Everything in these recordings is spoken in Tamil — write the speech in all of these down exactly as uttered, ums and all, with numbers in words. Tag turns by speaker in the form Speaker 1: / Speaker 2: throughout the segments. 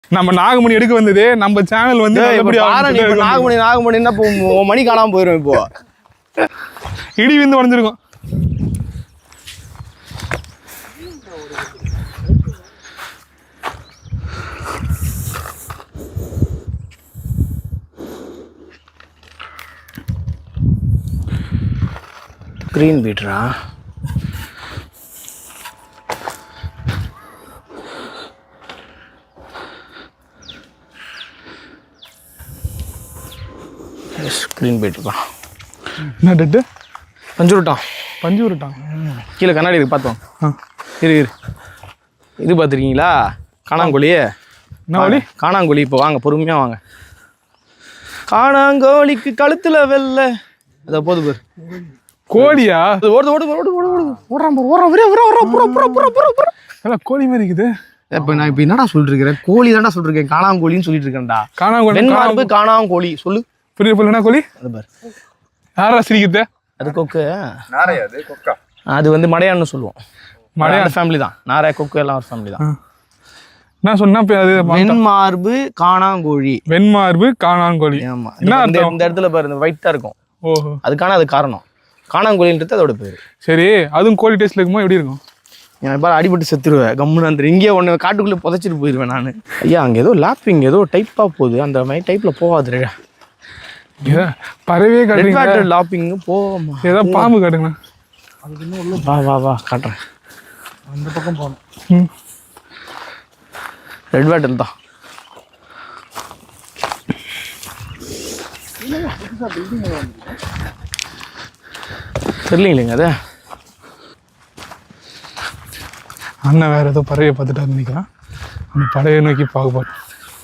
Speaker 1: நம்ம நாகமணி எடுக்க வந்தது நம்ம சேனல் வந்து
Speaker 2: நாகமணி நாகமணின்னா மணி காணாம போயிடும். இப்போ
Speaker 1: இடி விந்து உடஞ்சிருக்கும்.
Speaker 2: Green பீட்ரா screen போயிட்டுருக்கான்.
Speaker 1: என்ன டெட்டு?
Speaker 2: பஞ்சு விட்டான்.
Speaker 1: பஞ்சு விட்டான்.
Speaker 2: கீழே கண்ணாடி இருக்கு பார்த்தோம். இரு இரு இது பார்த்துருக்கீங்களா? காணாங்கோழி.
Speaker 1: என்ன கோழி?
Speaker 2: காணாங்கோழி. இப்போ வாங்க பொறுமையாக வாங்க. காணாங்கோழிக்கு கழுத்தில் வெள்ளை அதை போது பேர்
Speaker 1: கோழியா?
Speaker 2: ஓடுது ஓடு ஓடு ஓடு ஓடு ஓடுறான் ஓடுறான் ஒரே ஒரே ஓடுறான் புற புற புற புற புற
Speaker 1: எல்லாம் கோழி மாதிரி இருக்குது.
Speaker 2: இப்போ நான் இப்போ என்னடா சொல்லிட்டு இருக்கிறேன்? கோழி தான்டா சொல்லிட்டு இருக்கேன். காணாங்கோழின்னு சொல்லிட்டு இருக்கேன்டா.
Speaker 1: காணாங்கோழி.
Speaker 2: வெண்மார்பு காணாங்கோழி சொல்லு.
Speaker 1: புரிய புரியல கோழி.
Speaker 2: அது பாரு
Speaker 1: யாரா சிரிக்குது?
Speaker 2: அது கொக்கு.
Speaker 3: நாரையா? அது கொக்கா?
Speaker 2: அது வந்து மடையான்னு சொல்லுவோம்.
Speaker 1: மடையா
Speaker 2: ஃபேமிலி தான். நாரை கொக்கு எல்லாம் ஒரு ஃபேமிலி தான்.
Speaker 1: நான் சொன்னா அது
Speaker 2: வெண்மார்பு காணாங்கோழி.
Speaker 1: வெண்மார்பு காணாங்கோழி.
Speaker 2: ஆமா. இந்த இடத்துல பாரு இந்த ஒயிட்டா இருக்கும்.
Speaker 1: ஓஹோ.
Speaker 2: அதுக்கான அது காரணம். காணாங்கோழின்றது அதோட பேரு.
Speaker 1: சரி, அதுவும் கோழி டேஸ்ட்ல இருக்குமா? எப்படி இருக்கும்?
Speaker 2: என் பாரு அடிபட்டு செத்துருவேன். கம்முன்னு அந்த இங்கேயே ஒன்று காட்டுக்குள்ளே புதைச்சிட்டு போயிடுவேன் நான். ஐயா அங்கே ஏதோ லாப்பிங் ஏதோ டைப்பாக போகுது. அந்த மாதிரி டைப்பில் போகாது.
Speaker 1: பறவையே காட்டுறீங்க.
Speaker 2: லாப்பிங் போமா.
Speaker 1: ஏதோ பாம்பு காட்டுங்க.
Speaker 2: வா வா வா காட்டுறேன்.
Speaker 3: அந்த பக்கம் போகணும்.
Speaker 2: ரெட் பேட்டில் தான். தெரியலீங்களேங்க அது.
Speaker 1: அண்ணன் வேற ஏதோ பறவையை பார்த்துட்டா நினைக்கலாம். அந்த பறவையை நோக்கி பார்க்க போறோம்.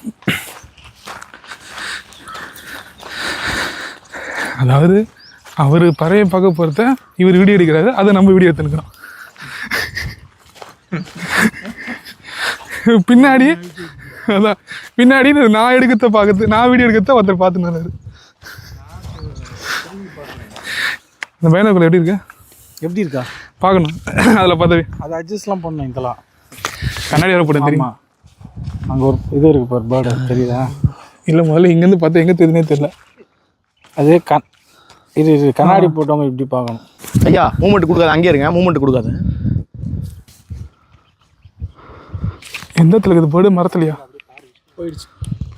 Speaker 1: அதாவது அவர் பறவையை பார்க்க போகிறத இவர் வீடியோ எடுக்கிறாரு, அதை நம்ம வீடியோ எடுத்துக்கிறோம். பின்னாடி அதான் பின்னாடி நான் எடுக்கிறத பார்க்கறது, நான் வீடியோ எடுக்கிறத ஒருத்தர் பார்த்துனாரு. இந்த பையனுக்குள்ள எப்படி இருக்கு?
Speaker 3: எப்படி இருக்கா
Speaker 1: பார்க்கணும். அதில் பார்த்தாவே
Speaker 3: அதை அட்ஜஸ்ட்லாம் பண்ணணும். இதெல்லாம்
Speaker 1: கண்ணாடி வர போட்டேன் தெரியுமா?
Speaker 3: அங்கே ஒரு இது இருக்கு பாரு, பேர்டு தெரியுதா?
Speaker 1: இல்லை, முதல்ல இங்கேருந்து பார்த்தா எங்கே தெரியுதுனே தெரியல.
Speaker 3: அதே கண் இது இது கண்ணாடி போட்டவங்க இப்படி பார்க்கணும்.
Speaker 2: ஐயா மூமெண்ட் கொடுக்காது. அங்கேயே இருங்க. மூமெண்ட் கொடுக்காது.
Speaker 1: எந்த இடத்துல இருக்குது பேர்டு? மரத்துலையா?
Speaker 3: போயிடுச்சு.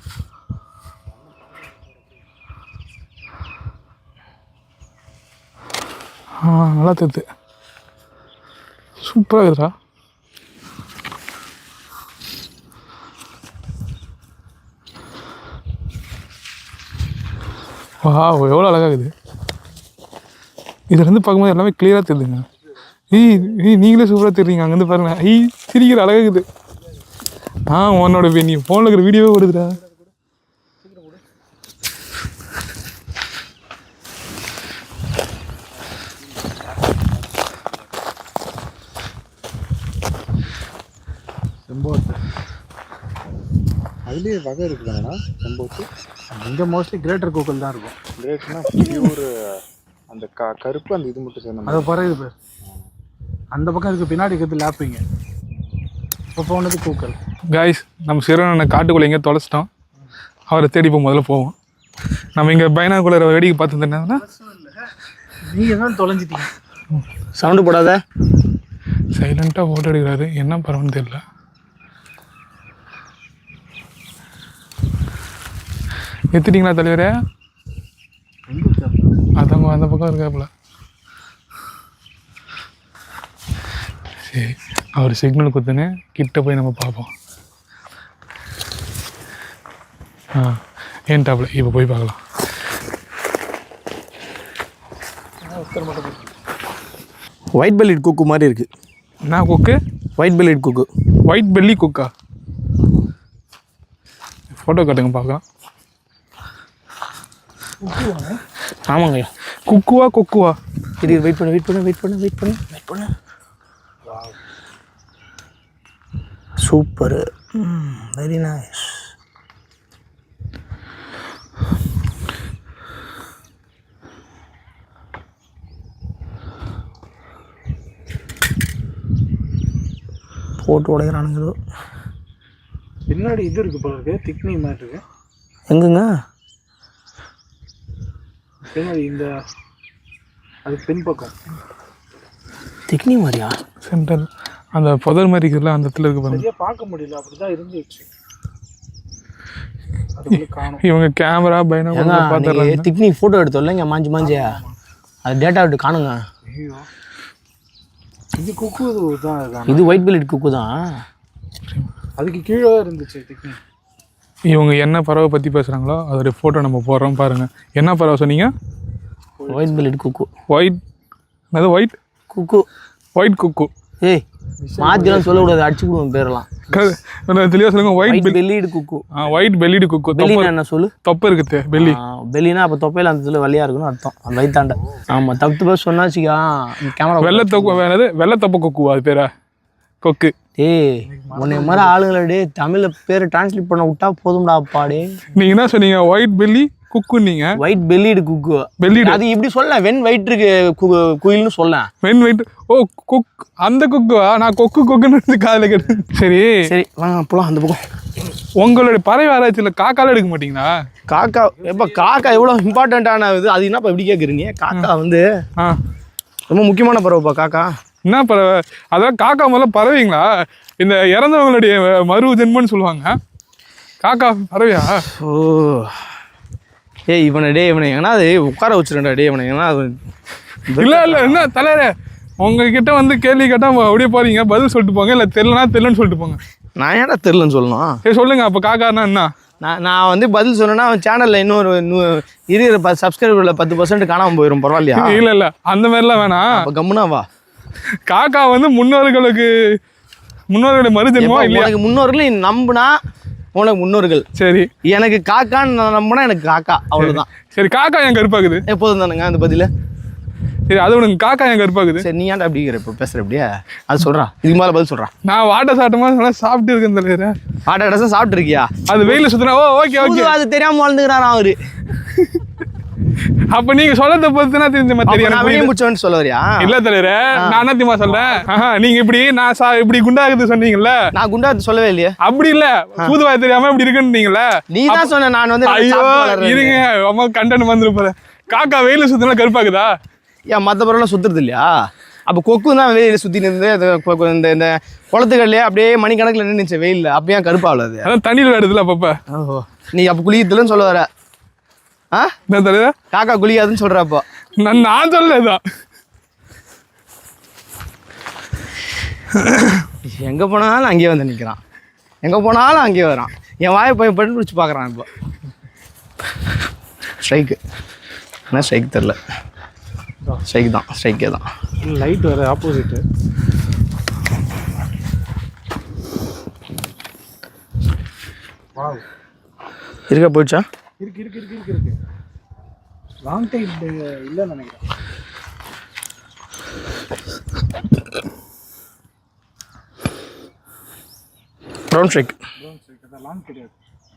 Speaker 1: ஆ, நல்லா தெரியுது. சூப்பராக இருக்குதா? வா, எவ்வளோ அழகாகுது. இதுலேருந்து பார்க்கும்போது எல்லாமே கிளியராக தெரியுதுங்க. ஈ ஈ நீங்களே சூப்பராக தெரியுங்க. அங்கேருந்து பாருங்க. ஈ சிரிக்கிற அழகாகுது. ஆ, உன்னோட நீ ஃபோனில் இருக்கிற வீடியோவே வருதுடா.
Speaker 3: செம்போத்து அதுலேயே வகை இருக்குதுங்கண்ணா. செம்போத்து இங்கே மோஸ்ட்லி கிரேட்டர் கோக்கல் தான் இருக்கும். கிரேட்னா பியூர் அந்த க கருப்பு அந்த இது மட்டும் சேர்ந்த அதை பறகுது பேர். அந்த பக்கம் இருக்குது பின்னாடி இருக்கிறது லாப்பிங்க. இப்போ போனது கூக்கல்.
Speaker 1: காய்ஸ், நம்ம சிறுவனை காட்டுக்குள்ளே எங்கேயோ தொலைச்சிட்டோம். அவரை தேடி போய் முதல்ல போவோம். நம்ம இங்கே பைனாக்குள்ளே வேடிக்கை பார்த்து என்னன்னா
Speaker 3: நீங்கள் தான் தொலைஞ்சிட்டீங்க.
Speaker 2: சவுண்டு போடாத.
Speaker 1: சைலண்ட்டாக ஃபோட்டோ எடுக்கிறாரு. என்ன பரவாயில்ல தெரியல. எடுத்துட்டீங்களா தலைவரே? அதாங்க அந்த பக்கம் இருக்காப்புல. சரி, அவர் சிக்னல் கொடுத்துன்னு கிட்ட போய் நம்ம பார்ப்போம். ஆ, ஏன் டாப்ல இப்போ போய் பார்க்கலாம்.
Speaker 2: ஒயிட் பெல்லிட் குக்கு மாதிரி இருக்கு.
Speaker 1: என்ன cuckoo?
Speaker 2: White bellied cuckoo.
Speaker 1: White belly குக்கா? ஃபோட்டோ காட்டுங்க பார்க்கலாம்.
Speaker 2: ஆமாங்க.
Speaker 1: குக்குவா கொக்குவா?
Speaker 2: இது வெயிட் பண்ணு வெயிட் பண்ணு வெயிட் பண்ணு வெயிட் பண்ணு வெயிட் பண்ணு. சூப்பர். Very nice. போட்டு உடைக்கிறானுங்க.
Speaker 3: பின்னாடி இது இருக்கு போல இருக்கு, திக்னி மாதிரி இருக்கு.
Speaker 2: எங்குங்க
Speaker 3: பின்னாடி இந்த அது பின்பக்கம்
Speaker 2: திக்னி மாதிரியா?
Speaker 1: சென்டர் அந்த புதர் மாதிரி இருக்குல்ல அந்த இடத்துல இருக்கு பாருங்க.
Speaker 3: சரியா பார்க்க முடியல, அப்படிதான் இருந்துச்சு. அதுக்குள்ள காணோம்.
Speaker 1: இவங்க கேமரா பைனாகுலர் பார்த்துறாங்க.
Speaker 2: திக்னி ஃபோட்டோ எடுத்தோம்ல இங்கே மாஞ்சி மாஞ்சியா, அது டேட்டா விட்டு காணுங்க.
Speaker 3: ஐயோ இது குக்கு தான். அதுதான்
Speaker 2: இது ஒயிட் பெல்லிட் குக்கு தான்.
Speaker 3: அதுக்கு கீழே இருந்துச்சு திக்னி.
Speaker 1: இவங்க என்ன பறவை பற்றி பேசுகிறாங்களோ அதோடைய ஃபோட்டோ நம்ம போடுறோம் பாருங்க. என்ன பறவை சொன்னீங்க?
Speaker 2: White bellied cuckoo.
Speaker 1: ஒயிட் அது ஒயிட்
Speaker 2: குக்கு.
Speaker 1: White cuckoo.
Speaker 2: ஏய் மாத்திரம் சொல்லக்கூடாது, அடிச்சு விடுவோம் பேரெல்லாம்.
Speaker 1: தெளிவாக சொல்லுங்க. White
Speaker 2: bellied cuckoo.
Speaker 1: ஆ ஒயிட் பெல்லிடு குக்கு.
Speaker 2: பெல்லினா என்ன சொல்லு?
Speaker 1: தொப்பை இருக்குது பெல்லி.
Speaker 2: பெல்லினா அப்போ தொப்பையில் அந்த இதில் வெள்ளையாக இருக்குன்னு அர்த்தம், அந்த வயிற்றாண்ட. ஆமாம் தப்பு தப்பா சொன்னாச்சுக்கா கேமரா.
Speaker 1: வெள்ளை தொக்கு வேணது வெள்ளை தொப்பை கொக்கு, அது பேரா கொக்கு.
Speaker 2: டேய் உன்னை மாதிரி ஆளுங்களை டே தமிழில் பேர் டிரான்ஸ்லேட் பண்ண விட்டா போதும்டா அப்பாடே.
Speaker 1: நீங்கள் என்ன சொன்னீங்க? White belly cuckoo. நீங்கள்
Speaker 2: ஒயிட் பெல்லிடு குக்கு.
Speaker 1: பெல்லிடு
Speaker 2: அது இப்படி சொல்ல, வெண் வயிற்று குயில்னு சொல்ல.
Speaker 1: வெண் வயிற்று. ஓ குக், அந்த குக்குவா? நான் கொக்கு கொக்குன்னு காதில் கேட்டு. சரி
Speaker 2: சரி வாங்க போலாம் அந்த பக்கம்.
Speaker 1: உங்களுடைய பறவை ஆராய்ச்சியில் காக்கால எடுக்க மாட்டீங்களா?
Speaker 2: காக்கா எப்போ காக்கா எவ்வளோ இம்பார்ட்டண்ட்டான இது, அது என்னப்பா இப்படி கேட்குறீங்க? காக்கா வந்து
Speaker 1: ஆ
Speaker 2: ரொம்ப முக்கியமான பறவைப்பா காக்கா.
Speaker 1: என்ன பறவை? அதான் காக்கா முதல்ல பறவைங்களா? இந்த இறந்தவங்களுடைய மறு ஜென்மன்னு சொல்லுவாங்க. காக்கா பறவையா?
Speaker 2: ஓ ஏய் இவனை டே இவனை ஏன்னா அது உட்கார வச்சுருண்டா டே இவனை ஏன்னா அது
Speaker 1: இல்லை இல்லை என்ன தலைவரே, உங்ககிட்ட வந்து கேள்வி கேட்டால் அப்படியே போறீங்க, பதில் சொல்லிட்டு போங்க. இல்லை தெரியலனா தெரியலன்னு சொல்லிட்டு போங்க.
Speaker 2: நான் ஏன்டா தெரிலன்னு சொல்லணும்?
Speaker 1: சரி சொல்லுங்க. அப்போ காக்கானா என்ன?
Speaker 2: நான் நான் வந்து பதில் சொன்னேன்னா அவன் சேனலில் இன்னொரு இருக்கிற பத்து சப்ஸ்கிரைபரில் பத்து பர்சன்ட் காணாமல் போயிடும், பரவாயில்லையா?
Speaker 1: இல்லை இல்லை அந்த மாதிரிலாம் வேணாம்.
Speaker 2: அப்போ கம்முனா வா.
Speaker 1: காக்கா வந்து முன்னோர்களுக்கு முன்னோர்களுடைய மறுஜென்மம் இல்லையா?
Speaker 2: எனக்கு முன்னோர்கள் நீ நம்புனா உனக்கு முன்னோர்கள்.
Speaker 1: சரி
Speaker 2: எனக்கு காக்கான்னு நான் நம்பினா எனக்கு காக்கா, அவ்வளோதான்.
Speaker 1: சரி காக்கா என் கருப்பாக்குது
Speaker 2: எப்போதும் தானுங்க அந்த பதில.
Speaker 1: சரி அது உனக்கு காக்கா என் கருப்பாக்குது.
Speaker 2: சரி நீ ஏன்டா அப்படிங்கிற இப்போ பேசுகிற அப்படியே அது சொல்கிறா, இதுக்கு மேலே பதில் சொல்கிறா.
Speaker 1: நான் வாட்டை சாட்டமா சொன்னா சாப்பிட்டு இருக்கேன் தலைவரே.
Speaker 2: ஆட்டோ இடசா சாப்பிட்ருக்கியா?
Speaker 1: அது வெயில சுத்தினா ஓ ஓகே ஓகே
Speaker 2: அது தெரியாமல் வாழ்ந்துக்கிறான் அவரு.
Speaker 1: அப்ப நீங்க சொல்றத பொறுத்துனா தெரிஞ்ச
Speaker 2: தெரியும் முடிச்சவன்னு சொல்ல வரியா?
Speaker 1: இல்ல தலைவரே, நான் என்ன தெரியுமா சொல்றேன்? நீங்க இப்படி நான் சா இப்படி குண்டாகுது சொன்னீங்கல்ல,
Speaker 2: நான் குண்டாது சொல்லவே இல்லையே.
Speaker 1: அப்படி இல்ல, பூதுவாய் தெரியாம இப்படி இருக்குன்னீங்கல்ல,
Speaker 2: நீ தான் சொன்ன. நான் வந்து
Speaker 1: ஐயோ இருங்க அம்மா கண்டென்ட் வந்துரு போறேன். காக்கா வெயில சுத்தினா கருப்பாக்குதா?
Speaker 2: ஏன் மற்ற பொருள்லாம் சுத்துறது இல்லையா? அப்போ கொக்கு தான் வெயில சுத்தி நின்று இந்த இந்த குளத்துக்கள்லயே அப்படியே மணிக்கணக்கில் நின்றுச்சு வெயில்ல, அப்போ ஏன் கருப்பாவில்? அது
Speaker 1: அதான் தண்ணியில் விடுதுல அப்பப்ப.
Speaker 2: ஓஹோ நீ அப்போ குளிக்கிறதுலன்னு சொல்ல வர? ஆ
Speaker 1: என்ன தலைவர்
Speaker 2: காக்கா குளிக்காதுன்னு சொல்ற? அப்போ
Speaker 1: நான் நான் சொல்லதான்.
Speaker 2: எங்க போனாலும் அங்கேயே வந்து நிற்கிறான், எங்க போனாலும் அங்கேயே வரான். என் வாயை போய் பண்ணி பிடிச்சி பார்க்குறான். இப்போ ஸ்ட்ரைக்கு என்ன ஸ்ட்ரைக் தெரில, ஸ்ட்ரைக் தான், ஸ்ட்ரைக்கே தான்.
Speaker 3: லைட் வர ஆப்போசிட்டு.
Speaker 2: இருக்க போயிடுச்சா?
Speaker 3: இருக்கு இருக்கு இருக்கு இருக்கு இருக்கு லாங் டைம் இல்லைன்னு நினைக்கிறேன்.
Speaker 2: Brown shrike.
Speaker 3: ப்ரௌன் ஸ்ட்ரைக் அதான் லாங் கிடையாது.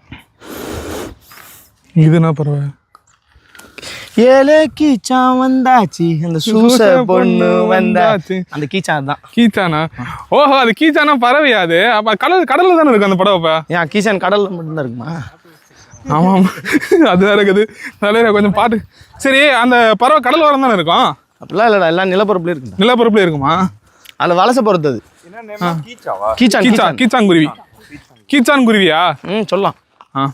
Speaker 1: இதுனா பரவாயில்ல.
Speaker 2: ஏலே கீச்சான் வந்தாச்சு, அந்த சூச பொண்ணு வந்தாச்சு, அந்த கீச்சான் தான்.
Speaker 1: கீச்சானா? ஓஹோ அது கீச்சானா பறவையா? அது அப்ப கடல் கடல்ல தானே இருக்கு அந்த பறவை.
Speaker 2: ஏன் கீச்சான் கடல்ல மட்டும்தான் இருக்குமா?
Speaker 1: ஆமாம் அதுதான் இருக்குது. தலைவர கொஞ்சம் பாட்டு. சரி அந்த பறவை கடல் ஓரம் தானே இருக்கும்?
Speaker 2: அப்படிலாம் இல்லைடா, எல்லாம் நிலப்பரப்புல இருக்கு.
Speaker 1: நிலப்பரப்புல இருக்குமா?
Speaker 2: அதில் வலசை பொறுத்தது. கீச்சான்
Speaker 1: கீச்சான் கீச்சான் குருவி. கீச்சான் குருவியா?
Speaker 2: ம் சொல்லலாம்.
Speaker 1: ஆ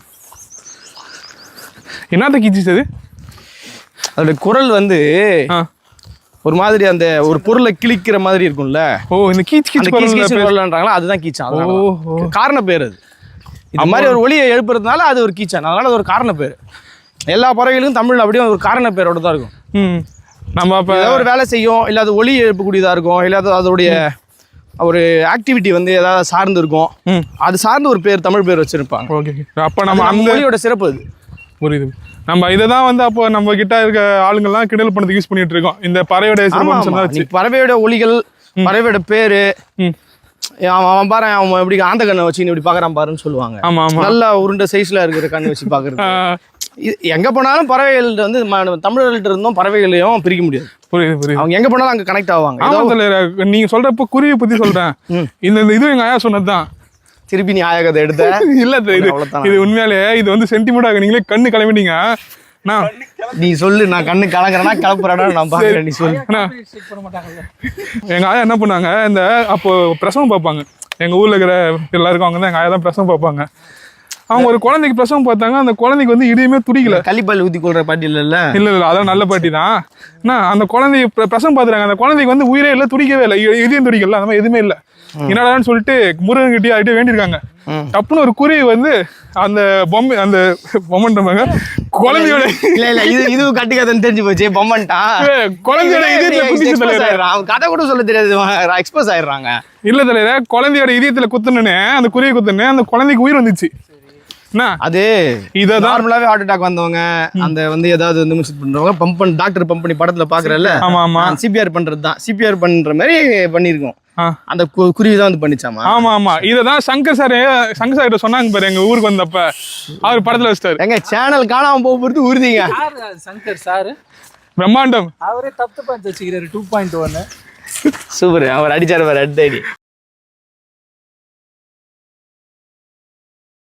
Speaker 1: என்னத்த கீச்சிச்சு அது?
Speaker 2: அதோட குரல் வந்து ஒரு மாதிரி அந்த ஒரு பொருளை கிழிக்கிற மாதிரி இருக்கும்ல.
Speaker 1: ஓ இந்த கீச் கீச்
Speaker 2: குரல்ன்றாங்களா, அதுதான் கீச்சான். காரண பேர் அது. இந்த மாதிரி ஒரு ஒலியை எழுப்புறதுனால அது ஒரு கீச்சான், அதனால அது ஒரு காரண பேர். எல்லா பறவைகளுக்கும் தமிழ்ல அப்படியே ஒரு காரண பேரோட தான் இருக்கும்.
Speaker 1: ம் நம்ம அப்போ
Speaker 2: ஏதாவது ஒரு வேலை செய்யும், இல்லை அது ஒலி எழுப்பக்கூடியதாக இருக்கும், இல்லை அது அதோடைய ஒரு ஆக்டிவிட்டி வந்து ஏதாவது சார்ந்து இருக்கும், அது சார்ந்து ஒரு பேர் தமிழ் பேர் வச்சிருப்பாங்க.
Speaker 1: ஓகே அப்போ நம்ம அந்த
Speaker 2: மொழியோட சிறப்பு அது.
Speaker 1: புரியுது. நம்ம இதை தான் வந்து அப்போ நம்ம கிட்ட இருக்க ஆளுங்கள்லாம் கிண்டல் பண்ணதுக்கு யூஸ் பண்ணிட்டு இருக்கோம். இந்த பறவையோட சிறப்பு,
Speaker 2: பறவையோட ஒலிகள், பறவையோட பேரு. அவன் பாரு அவன் எப்படி ஆந்த கண்ணை வச்சு இப்படி பாக்குறான் பாருன்னு சொல்லுவாங்க.
Speaker 1: ஆமா ஆமா
Speaker 2: நல்லா உருண்டை சைஸ்ல இருக்கிற கண்ணு வச்சு பாக்குறது. எங்க போனாலும் பறவைகள் வந்து தமிழர்கள்ட்ட இருந்தும் பறவைகளையும் பிரிக்க முடியாது.
Speaker 1: புரியுது புரியுது.
Speaker 2: அவங்க எங்க போனாலும் அங்க கனெக்ட் ஆவாங்க.
Speaker 1: நீங்க சொல்றப்ப குருவியை பத்தி சொல்றேன். இந்த இது எங்க ஆயா சொன்னதுதான்.
Speaker 2: திருப்பி நீ ஆயகத்தை எடுத்த
Speaker 1: இல்ல இது
Speaker 2: அவ்வளவுதான்.
Speaker 1: இது உண்மையாலே இது வந்து சென்டிமெண்டாக நீங்களே கண்ணு கிளம்பிட்டீங்க நான்
Speaker 2: நீ சொல்லு நான் கண்ணு கலங்குறேன்னா கிளப்புறேன்னா நான் பாக்குறேன் நீ சொல்லு
Speaker 1: அண்ணா, எங்க ஆயா என்ன பண்ணாங்க இந்த அப்போ பிரசவம் பார்ப்பாங்க எங்க ஊர்ல இருக்கிற எல்லாருக்கும் அவங்க தான் எங்க ஆயா தான் பிரசவம் பார்ப்பாங்க அவங்க ஒரு குழந்தைக்கு பிரசவம் பார்த்தாங்க அந்த குழந்தைக்கு வந்து இடையுமே துடிக்கல
Speaker 2: கள்ளிப்பால் ஊத்தி கொள்ற பாட்டி இல்ல
Speaker 1: இல்ல இல்ல அதான் நல்ல பாட்டி தான் என்ன அந்த குழந்தைய பிர- பிரசவம் பார்த்துறாங்க அந்த குழந்தைக்கு வந்து உயிரே இல்லை துடிக்கவே இல்லை இ- இதயம் துடிக்கல அந்த மாதிரி எதுவுமே இல்லை என்னடான்னு சொல்லிட்டு முருகன் கிட்டே ஆகிட்டே வேண்டியிருக்காங்க டப்புன்னு ஒரு குருவி வந்து அந்த பொம்மை அந்த பொம்மைன்றவங்க குழந்தையோட
Speaker 2: இல்ல இல்ல இது இது கட்டி கதைன்னு தெரிஞ்சு போச்சு பொம்மன்ட்டா
Speaker 1: குழந்தையோட இதயத்துல குத்திச்சு தலைவரே.
Speaker 2: அவன் கதை கூட சொல்ல தெரியாது எக்ஸ்போஸ் ஆயிடுறாங்க
Speaker 1: இல்ல தலைவரே குழந்தையோட இதயத்துல குத்துனே அந்த குருவி குத்துனே அந்த குழந்தைக்கு உயிர் வந்துச்சு என்ன
Speaker 2: அது
Speaker 1: இததான்
Speaker 2: நார்மலாவே ஹார்ட் அட்டாக் வந்தவங்க அந்த வந்து ஏதாவது வந்து மிஸ் பண்றவங்க பம்ப் பண்ணி டாக்டர் பம்ப் பண்ணி படத்துல பாக்குறல்ல
Speaker 1: ஆமா ஆமா
Speaker 2: சிபிஆர் பண்றது தான் சிபிஆர் பண்ற மாதிரி பண்ணிருக்கோம்
Speaker 1: ஆ.
Speaker 2: அந்த கு- குருவி தான் வந்து பண்ணிச்சாமா
Speaker 1: ஆமா ஆமா இததான் சங்கர் சார் சங்கர் சார் கிட்ட சொன்னாங்க பாரு எங்க ஊருக்கு வந்தப்ப அவர் படத்துல வச்சிட்டாரு
Speaker 2: எங்க சேனல் காணாம போக போறது உறுதிங்க
Speaker 3: சங்கர் சார்
Speaker 1: பிரம்மாண்டம்
Speaker 3: அவரே தப்பு பண்ணி வச்சுக்கிறாரு டூ பாயிண்ட் ஒன்னு
Speaker 2: சூப்பர் அவர் அடிச்சாரு பாரு ரெட் ஐடி